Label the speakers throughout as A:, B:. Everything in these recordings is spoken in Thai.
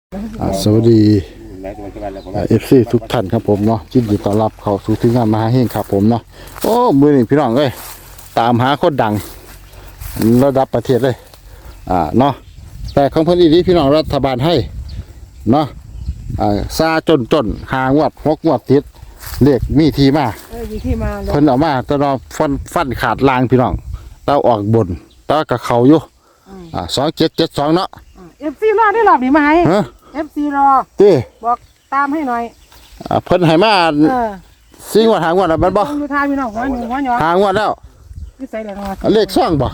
A: สวัสดีFC ทุกท่านครับผมเนาะยินดีต้อนรับเข้าสู่ทีมงานมหาเฮงครับผมเนาะโอ้มือนี่พี่น้องเอ้ยตามหาคนดังระดับประเทศเลยเนาะแต่ของเพิ่นอีนี้พี่น้องรัฐบาลให้เนาะซาจนหางวด6งวดติดเลขมีที่มา
B: มีที่มา
A: เพิ่นเอามาแต่เราฟันขาดลางพี่น้องเต้าออกบนเต้ากับเขาอยู่2772เนาะ
B: FC รอได้หรอบนี่มาให้FC รอบอกตามให้หน่อย
A: เพิ่นให้มา4งวดหางวดแล้วมันบ่
B: ดูทางพี่น้องหัวหนึ่งหัวหยอ
A: หางวดแล้วเลขซ่องบ่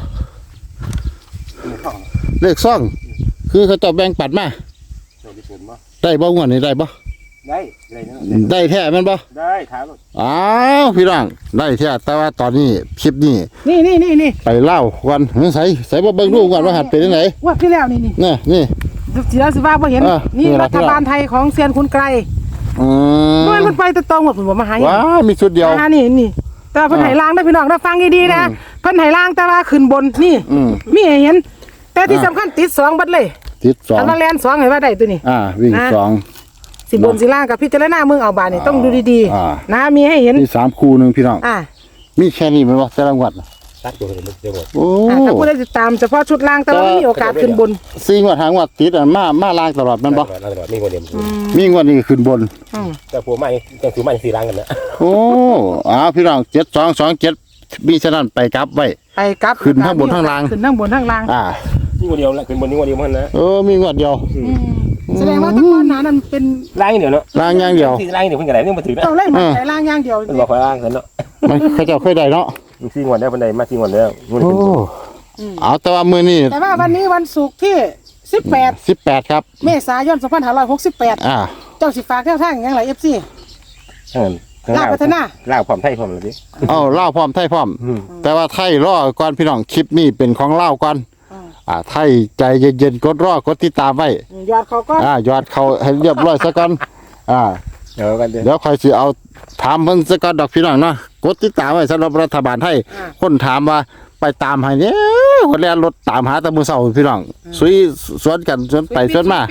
A: เลขซ่องคือเขาจะแบ่งปัดมาได้บ่งวดนี้ได้บ่ได้แท้แม่นบ่
C: ได้ถาม
A: อ้าวพี่น้องได้แท้แต่ว่าตอนนี้คลิปนี้
B: นี่
A: ไปเล่าวันใส่บ่เบิ่งดูก่อนว่าหัดเป็นจังได๋
B: ว่าที่แล้วนี่สิแล้วสิว่าบ่เห็นนี่รัฐบาลไทยของเซียนคุณไกรมันไปตรงหมดผมมาหา
A: ว้ามีชุดเดียว
B: นี่แต่เพิ่นให้ล่างได้พี่น้องได้ฟังดีๆนะเพิ่นให้ล่างแต่ว่าขึ้นบนนี่มีให้เห็นแต่ที่สำคัญติด2บัดเลย
A: ติด2
B: อันว่าแล่น2ให้ว่าได้ตัวนี้
A: วิ่ง2
B: สิบนสิล่างกับพิจารณาเมืองเอาบานนี่ต้องดูดีๆนะมีให้เห็น
A: มี3คู่นึงพี่น้องมีแค่นี้มั้ยบ่แต่ละงวด
C: ตัดตัวเลยเดี๋ยวหมด
A: โอ้
B: ถ้าผู้ใดติดตามเฉพาะชุดล่างแต่ว่ามีโอกาสขึ้นบน
A: 4งวดหางวดติดมาล่างตลอดแม่นบ่
C: มีคนเดียว
A: มีงวดนี้ขึ้นบน
C: แต่ผัวใหม่จังคือใหม่4ล้างกันนะ
A: โอ้พี่น้อง7227มีฉะนั้นไปกลับไว้
B: ไปกลับ
A: ขึ้นทั้งบนทั้งล่าง
B: ขึ้นทั้งบนทั้งล่าง
C: นี่คนเดียวละขึ้นบนนี่คนเดียวมันนะ
A: มีงวดเดียว
B: แสดงว่าตะกอนหนานั้นเป็น
C: ล่างเดียวเนาะ
A: ล่างอย่างเดียว
C: ล่างเดียวเพิ่นก็ได้นี่มาถือนะ
B: ต้องไล่มาแต่ล่างอย่างเดียว
C: มันบอกว่าล่างกันเนาะ
A: มันเขาเจ้าเคยได้เนาะ
C: 4งวดแล้วเพิ่นได้มา4งวดแล้ว
A: เอาแต่ว่ามื้อนี้
B: แต่ว่าวันนี้วันศุกร์ที่18
A: ครับ
B: เมษายน2568เจ้าสิฝากแนวทางอย่างไร FC ลาวพัฒนา
C: ลาวพร้อมไทยพร้อมเลยดิ
A: ลาวพร้อมไทยพร้อมแต่ว่าไทยรอก่อนพี่น้องคลิปนี้เป็นของลาวก่อนไทยใจเย็นๆกดรอกดติดตามไว้
B: ยอดเขาก็
A: ยอดเขาให้เรียบร้อยซะก่อนเดี๋ยวค่อยสิเอาถามเพิ่นซะก่อนดอกพี่น้องเนาะกดติดตามไว้สำหรับรัฐบาลไทยคนถามว่าไปตามให้เนี่ยคนแล่นรถตามหาแต่มื้อเช้าพี่น้องสวนกันสวนไปสวนมา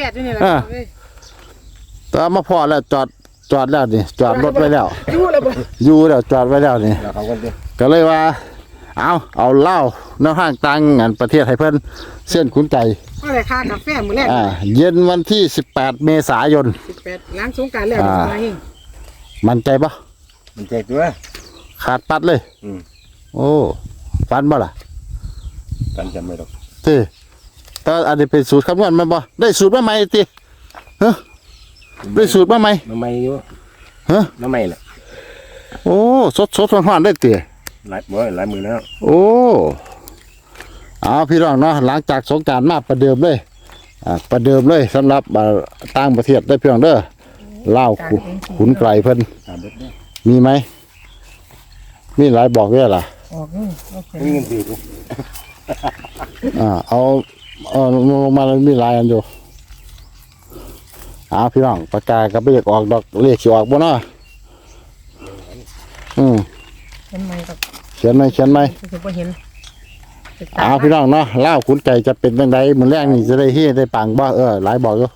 A: แต่มาพอแล้วจอดแล้วนี่จอดรถไว้แล้วอยู่แล้วจอดไว้แล้วนี่ก็เลยว่าเอาเหล้าน้ำห้างตังงานประเทศให้เพิ่นเส้นขุนใจ
B: ก็เลยค่ากาแฟมื้อแรก
A: เย็นวันที่18เมษายน
B: 18หลังสงกรานต์แล้ว
A: มั่นใจปะ
C: มั่นใจตัว
A: ขาดปัดเลยโอ้ฟันบ่ล่ะ
C: ฟันจำไม่หรอก
A: แต่อันนี้เป็นสูตรคำนวณมั้ยบ่ได้สูตรมาใหม่ติได้สูตรมาใหม่
C: อยู่มาใหม่แหละ
A: โอ้สดร้อนๆได้ติ
C: หลายมือแล้ว
A: โอ้พี่น้องเนาะหลังจากสงกรานต์มาประเดิมเลยสำหรับต่างประเทศได้พี่น้องเด้อลาวขุนไกรเพิ่นมีไหมมีหลายบอกด้วยล่ะ
C: มีเงินสิ
A: เอาลงมาแล้วมีหลายอันอยู่พี่น้องปากกาก็บ่อยากออกดอกเลขสิออกบ่เนาะเขียนไหมพี่น้องเนาะเล่าขุนไก่จะเป็นยังไงมื้อแรกนี่จะได้เฮ็ดได้ปังบ่หลายบอกอยู่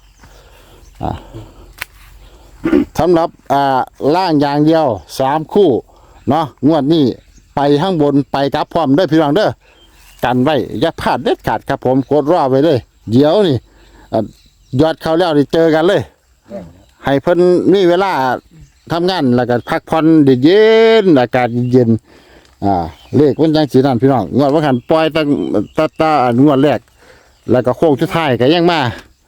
A: สำหรับล่างอย่างเดียว3คู่เนาะงวดนี้ไปข้างบนไปกลับพร้อมเด้อพี่น้องเด้อกันไว้อย่าพลาดเด็ดขาดครับผมกดรอไว้เลยเดี๋ยวนี่ยอดเข้าแล้วนี่เจอกันเลยให้เพิ่นมีเวลาทำงานแล้วก็พักผ่อนเย็นอากาศเย็นเลขมันจังสีนั่นพี่น้องงวดว่าหันปล่อยตั้งงวดแรกแล้วก็โค้งสุดท้ายก็ยังมา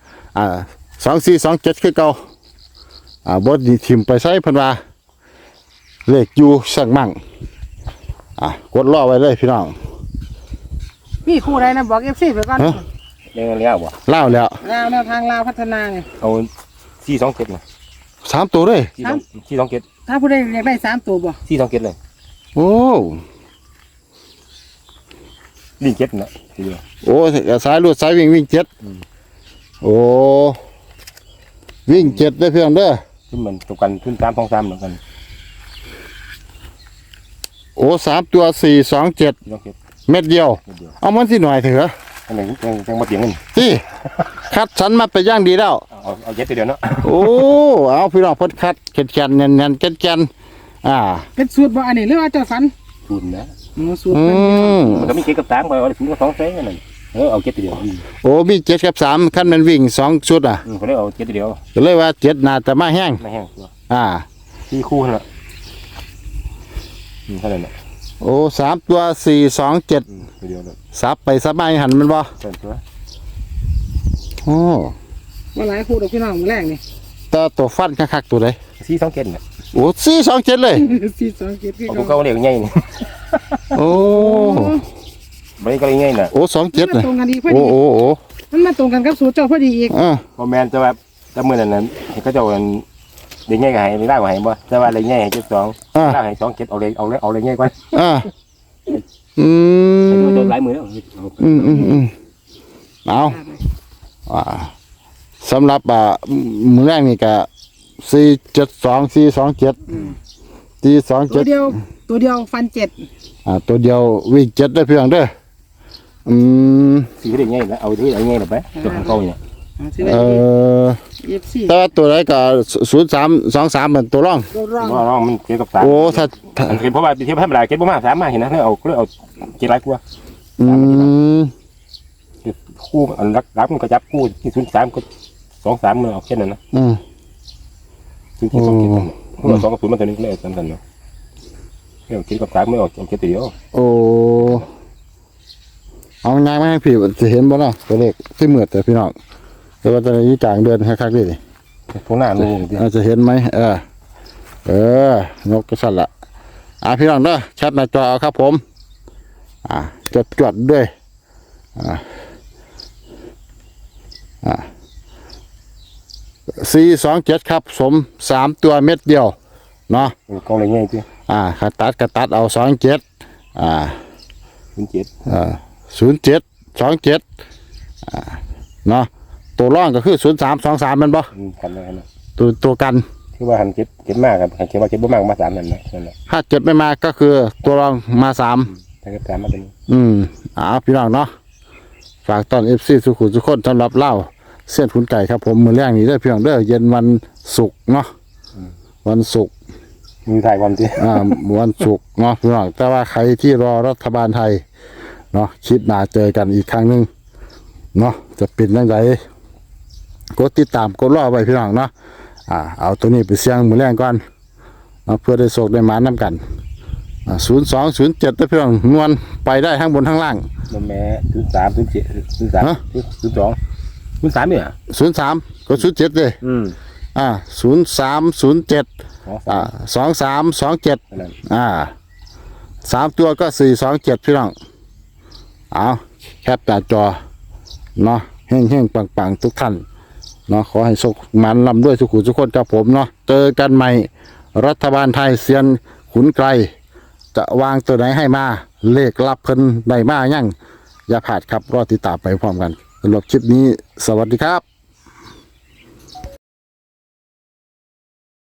A: 2427คือเก่าบ่ดีทิ่มไปใส่เพิ่นว่าเลขอยู่สั่งมั่งกดรอไว้เลยพี่น้อง
B: มีคู่ใดนะบอก FC ไปก่อน
C: ยังเลี้ยวบ่
A: เล่าแล้ว
B: แนวทางลาวพัฒนาไง
C: เอา427นะ
A: 3ตัวเลย
C: 427
B: ถ้าผู้ใดอยากได้3ตัวบ่
C: 427เลย
A: โอ้
C: วิ่ง7นะ
A: โอ้สายรวดสายวิ่ง7โอ้วิ่ง7ได้เพียงเด้อ
C: ขึ้นเหมือนตกกันขึ้น323เหมือนกัน
A: โอ้3ตัว427เม็ดเดียวเอามันสิหน่อยเถอะ
C: อันนี้ยังมาเถียงกัน
A: คัดฉันมาไปย่างดีแล้ว
C: เอาเจ็ดตัวเดียวเนาะ
A: โอ้เอาพี่น้องเพิ่นคัดแข็งๆแน่นๆแก่นๆ
B: เป็นสูตรบ่อันนี้หรือว่าเจ้าฝัน
C: ทุนนะ
B: สูตร
A: อื
B: เพิ่น
A: ม
C: มันก็มีเจ็ดกับสามไปเอาถึงก็สองเส้นนั่นเอาเจ็ดตัวเดียว
A: โอ้มี7กับ3คันมันวิ่ง2ชุด
C: เขาเลยเอาเจ็ดตัวเดียว
A: ก็เลยว่า7น่าจะมาแห้ง
C: ไม่แห้งตัว
A: อ่า
C: 4 คู่นั่นแหละเท่านั้นแหละ
A: โอ้3ตัว4 2 7
C: ตัวเดียวเลย
A: ซับไปซับมาหันมันบ่
C: เส้นตัว
A: โอ้
B: ว่าหลายคู่ดอกพี่น้องมื้อแรกนี่
A: แตตัวฟันคักๆตัวใด
C: 4-2-7เนี่ย
A: โอ้4 2 7เลย
B: 427คือ
C: เอา
B: เก่า
C: เก่าเรียกง่ายนี่
A: โอ้
C: ไม่ก็เลยง่ายน่ะ
A: โอ้2 7
B: มั
A: เลย
B: นตรงกันดีพอ
A: โอ้
B: ดี
A: โอ้โอ้
B: มันมาตรงกันกับสูตรเจ้าพอดีอีก
C: พอแมนจะแบบจะมือนั้นก็จะเอาเด็กง่ายกับให้ไม่ได้กับให้บ่แต่ว่าอะไรง่ายให้72ได้ให้2-7เอาเลยง่ายกว่า
A: อืม
C: โดนหลายมือแล้ว
A: เอาสำหรับมือแรกนี่ก็472 427
B: ตัวเดียว
A: 427
B: ฟัน7
A: ตัวเดียววิ่ง7ได้เพียงเด้อ
C: สีเด็กง่ายแล้วเอาที่อะไรง่ายหรอไปตัวของเก่าเนี่ย
B: สิได้ FC
A: แต่ว่าตัวไหนก็0323เป็นตัวรอง
B: ร่อง
C: ว่าน้องมันเกี่ยวกับสาม
A: โอ้ถ้า
C: มันเก็บเพราะว่าเทียบให้มันหลายเก็บบ่มาสามมาเห็นนะเอาก็เอาเก็บหลายกว่า
A: อืม
C: คู่อันรักมันก็จับคู่ที่03ก็23มันเอาแค่นั้นนะที่2เก็บมันคู่2กับ0มันตัวนี้เลยสำคัญเนาะเกี่ยวกับ3ไม่ออกเก็บตัวเดียว
A: โอ้เอาง่ายไหมพี่จะเห็นบ่เนาะตัวเลขที่เหมือดแต่พี่น้องแต่ว่าตอนนี้กลางเดือนคักๆดิ
C: พวกหน้าดูดิ
A: อาจจะเห็นไหมนกกระสันละพี่น้องเด้อแชทหน้าจอเอาครับผมจดด้วย427ครับสม3ตัวเม็ดเดียวเนาะ
C: กองอะไรง่ายที่
A: ขาตัดก็ตัดเอา27
C: 07
A: 27เนาะตัวร่องก็คือ0323มันบ่
C: กันเลยนะ
A: ตัวกัน
C: คือว่าหันเก็บมากครับหันเก็บว่าเก็บบ่มากมา3นั่นนะนั่นแหละ
A: ถ้าเจ็บไม่มาก็คือตัวรองมา3
C: ถ้าเก็บ3มาเป็น
A: พี่น้องเนาะฝากตอน FC สุขุมทุกคนสำหรับเล่าเส้นขุนไก่ครับผมมื้อแรกนี้เด้อพี่น้องเด้อเย็นวันศุกร์เนาะวันศุกร์
C: มีถ่ายความจริง
A: วันศุกร์เนาะพี่น้องแต่ว่าใครที่รอรัฐบาลไทยเนาะคลิปหน้าเจอกันอีกครั้งหนึงเนาะจะเป็นจังไดกดติดตามกดรอไว้พี่น้องเนาะเอาตัวนี้ไปเสี่ยงมื้อแรกก่อนเนาะเพื่อได้โชคได้หมานํกัน0207เด้อพี่น้องนวลไปได้ทั้งบนทั้งล่าง
C: มันแม่03 07 03 02 03เนี่ย
A: 03ก็07เลย0307 2327
C: นั่น
A: 3ตัวก็427พี่น้องเอาแคปหน้าจอเนาะเฮงๆปังๆทุกท่านเนาะขอให้สุขมันลำด้วยสุขุทุกคนกับผมเนาะเจอกันใหม่รัฐบาลไทยเซียนขุนไกรจะวางตัวไหนให้มาเลขลับเพิ่นได้มายังอย่าพลาดครับรอติดตามไปพร้อมกันสำหรับคลิปนี้สวัสดีครับ